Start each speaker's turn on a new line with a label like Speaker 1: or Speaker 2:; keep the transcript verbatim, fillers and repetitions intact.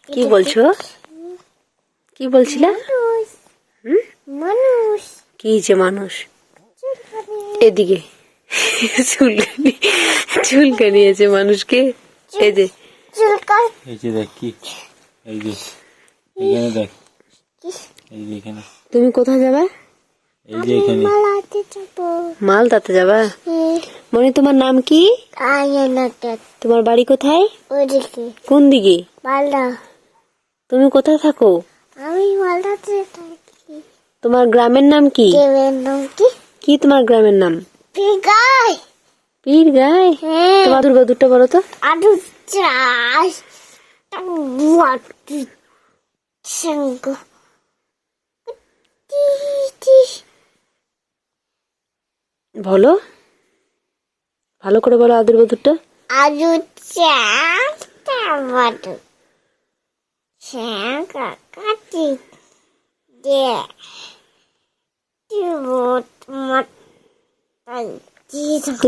Speaker 1: কি বলছো? কি বলছিলে?
Speaker 2: মানুষ
Speaker 1: কি যে মানুষ? এদিকে চুলকানি চুলকানি আছে মানুষকে। এই যে
Speaker 2: চুলকায়
Speaker 3: এই যে দেখ কি, এই যে এখানে দেখ, এই যে এখানে,
Speaker 1: তুমি কোথায় যাবে?
Speaker 3: এই যে এখানে
Speaker 2: মালাতে যাবো।
Speaker 1: মালদাতে যাবা?
Speaker 2: হ্যাঁ,
Speaker 1: মনে তোমার নাম কি?
Speaker 2: আয়নাতে
Speaker 1: তোমার বাড়ি কোথায়?
Speaker 2: ওদিকে
Speaker 1: কোন দিকে?
Speaker 2: মালদা।
Speaker 1: তুমি কোথায় থাকো?
Speaker 2: আমি মালদাতে থাকি।
Speaker 1: তোমার গ্রামের নাম কি?
Speaker 2: দেবের নাম কি?
Speaker 1: কি তোমার গ্রামের নাম?
Speaker 2: পিগাই।
Speaker 1: পীর গায়।
Speaker 2: হ্যাঁ,
Speaker 1: তোমার দুর্গা দুটো বলো তো।
Speaker 2: আলু চাষ বুয়াটি সঙ্গ
Speaker 1: বলো, ভালো করে বলো আদুর বাদুরটা।
Speaker 2: আলু চাষ টমাটো সঙ্গ কাটি দে দিব মাতাই